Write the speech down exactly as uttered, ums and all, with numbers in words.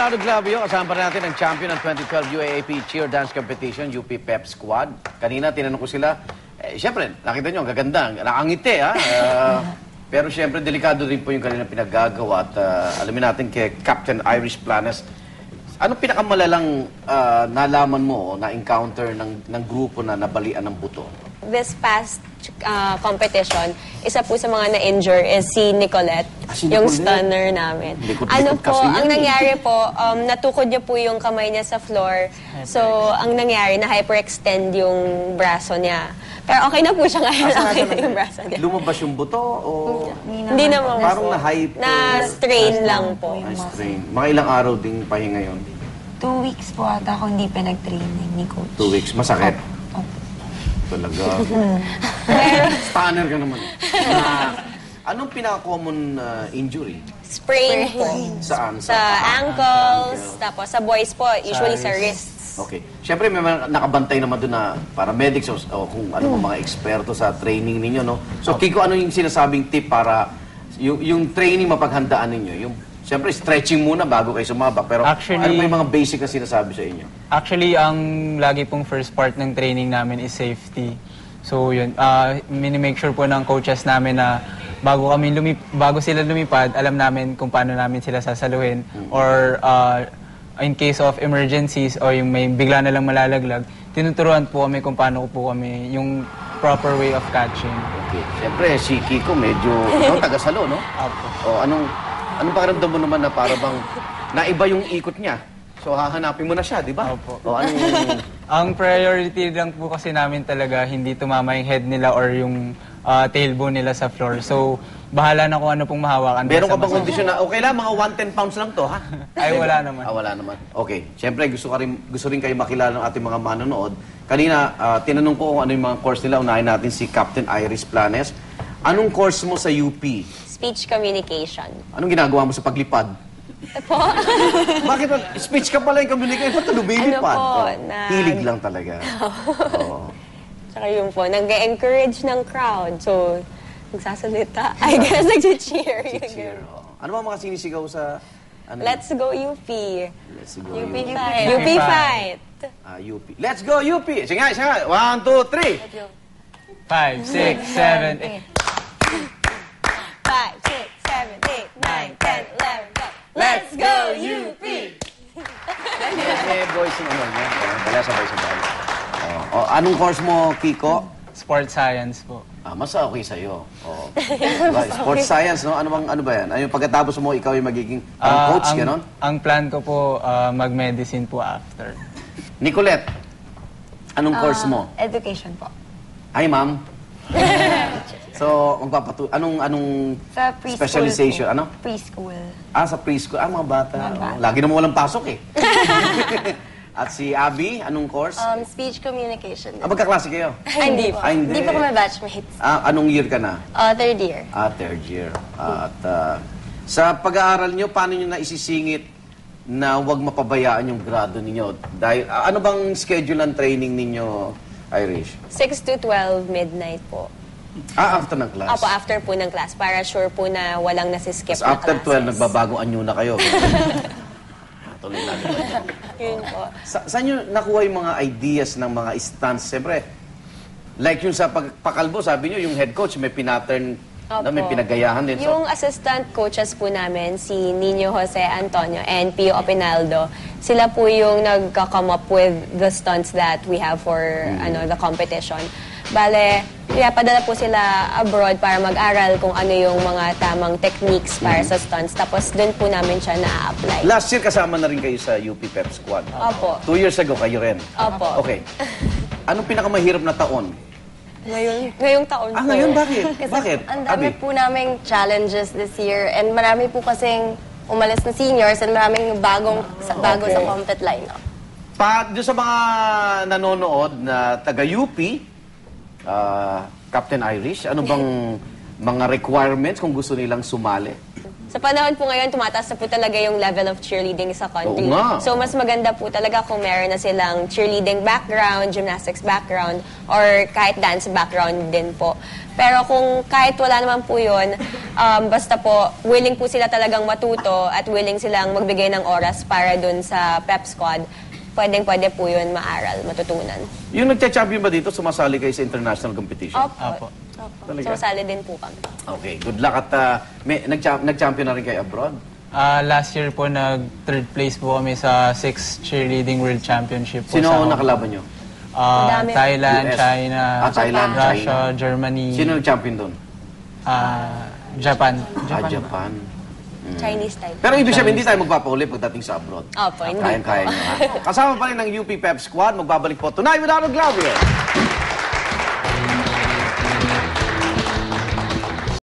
Leonardo Glavio, kasama pa natin ang champion ng twenty twelve U A A P Cheer Dance Competition, U P Pep Squad. Kanina, tinanong ko sila, eh, siyempre, nakita nyo, ang gaganda, nakangiti, ha? Uh, pero siyempre, delikado rin po yung kanilang pinaggagawa at uh, alamin natin kay Captain Irish Planes, anong pinakamalalang uh, nalaman mo o na-encounter ng, ng grupo na nabalian ng buto? This past uh, competition, isa po sa mga na-injure is si Nicolette, ah, si yung Nicolette. stunner namin. Likod, ano likod po, kasi ang yan, nangyari po, um, natukod niya po yung kamay niya sa floor. So, ang nangyari, na-hyperextend yung braso niya. Pero okay na po siya ngayon, okay na yung braso niya. Lumabas yung buto o... Hindi naman Parang po. na-hyper... Na-strain lang po. Na-strain. Mga ilang araw ding pahinga yun? Two weeks po ata ako hindi pinag-training ni Coach. Two weeks. Masakit? Opo. Talaga. Stunner ka naman. Uh, anong pinaka-common uh, injury? Sprain po. Saan? Sa ankles, tapos sa boys po, usually sa wrists. Okay. Siyempre, may mga nakabantay naman doon na paramedics o, o kung ano mga eksperto sa training ninyo, no? So, Kiko, ano yung sinasabing tip para yung, yung training mapaghandaan ninyo? Yung, siyempre, stretching muna bago kayo sumabak. Pero Actually, ano ba yung mga basic na sinasabi sa inyo? Actually, ang lagi pong first part ng training namin is safety. So, yun. Uh, mini-make sure po ng coaches namin na bago kami lumip bago sila lumipad, alam namin kung paano namin sila sasaluhin. Mm-hmm. Or uh, in case of emergencies o yung may bigla na lang malalaglag, tinuturuan po kami kung paano po kami yung proper way of catching. Okay. Siyempre, si Kiko medyo ano, taga-salo, no? Apo. O, anong, anong pakiramdam mo naman na para bang naiba yung ikot niya? So, hahanapin mo na siya, di ba? Opo. O, anong... Ang priority lang po kasi namin talaga, hindi tumama yung head nila or yung uh, tailbone nila sa floor. So, bahala na kung ano pong mahawakan. Meron ka bang kondisyon na, okay lang, mga one ten pounds lang to, ha? Ay, wala naman. Ah, wala naman. Okay. Siyempre, gusto, ka rin, gusto rin kayo makilala ng ating mga manonood. Kanina, uh, tinanong ko kung ano yung mga course nila. Unahin natin si Captain Irish Planes. Anong course mo sa U P? Speech communication. Anong ginagawa mo sa paglipad? Po? Bakit? Speech ka pala yung communication. Ba't lumilipad? Ano po, Oh, na- Hilig lang talaga. Oo. Tsaka yun po, nag-encourage ng crowd. So, nagsasalita. I guess, nag-cheer. Cheer. Oo. Ano ba mga sinisigaw sa... Ano? Let's go U P. Let's go U P U P. fight. U P fight. Ah, U P. Let's go U P! Sige nga, sige nga. One, two, three. Five, six, seven, eight. Five, six, seven, eight, nine, ten, eleven, twelve. Let's go U P! May boys yung ano niya. Wala sabay-sabay. Oh. Oh, anong course mo, Kiko? Sports science po. Ah, mas okay sa'yo. Oh. Diba? Sports science, no? Ano bang ano ba yan? Ano yung pagkatapos mo, ikaw yung magiging parang Ah, coach, ang, gano'n? Ang plan ko po, uh, mag-medicine po after. Nicolette, anong course mo? Education po. Ay, ma'am. So, magpapatu... Anong, anong Sa preschool specialization? po. Ano? Preschool. Ah, sa preschool. Ah, mga bata. Mga bata. Oh, lagi naman walang pasok eh. At si Abby, anong course? Um, speech communication. Ah, magkaklase kayo? Hindi po. Ah, hindi. Hindi po kami batchmates. Ah, anong year ka na? Uh, third year. Ah, third year. Ah, at ah, sa pag-aaral nyo, paano nyo naisisingit na huwag mapabayaan yung grado ninyo? Dahil, ah, ano bang schedule ng training ninyo, Irish? six to twelve midnight po. Ah, after ng class? Opo, after po ng class. Para sure po na walang nasiskip Tapos na after classes. twelve, nagbabagong anyo na kayo. Tuloy na. Yun po. Sa, saan nyo nakuha yung mga ideas ng mga stunts? Siyempre, like yung sa pagpakalbo, sabi nyo, yung head coach may pinattern, na may Opo. pinagayahan din. So, Yung assistant coaches po namin, si Nino Jose Antonio and Pio Opinaldo, sila po yung nagka-come up with the stunts that we have for ano the competition. Bale, kaya padala po sila abroad para mag-aral kung ano yung mga tamang techniques para sa stunts. Tapos doon po namin siya na-apply. last year kasama na rin kayo sa U P Pep Squad. Opo. Two years ago, kayo rin. Opo. Okay. Anong pinakamahirap na taon? Ngayon, ngayong taon Ah, po. ngayon? Bakit? Kasi Bakit? ang dami Abby? po naming challenges this year and marami po kasing umalis na seniors and maraming bagong sa, bago Okay. sa compet lineup. Pa, doon sa mga nanonood na taga-U P, ah, Captain Irish, ano bang mga requirements kung gusto nilang sumali? Sa panahon po ngayon, tumataas na po talaga yung level of cheerleading sa country. Oo nga. So, mas maganda po talaga kung meron na silang cheerleading background, gymnastics background, or kahit dance background din po. Pero kung kahit wala naman po yun, um, basta po, willing po sila talagang matuto at willing silang magbigay ng oras para dun sa pep squad, pwedeng-pwede po yun maaral, matutunan. Yung nagcha-champion ba dito, sumasali kayo sa international competition? Opo. Apo. Opo. Talaga? Sumasali din po kami. Okay, good luck. At uh, may, nag-cha- nag-champion na rin kayo abroad? Ah, last year po, nag-third place po kami sa sixth Cheerleading World Championship po Sino sa ang Hong nakalaban nyo? Ah, Madami. Thailand, U S. China, Ah, Thailand, Russia, China. Germany, Sino nag-champion doon? ah, Japan. Ah, Japan. Chinese type. Pero ibig sabihin, hindi tayo magpapauli pagdating sa abroad. Opo, hindi. Kayang-kaya nyo, ha? Kasama pa rin ng U P Pep Squad. Magbabalik po tonight with Arnold Glauber.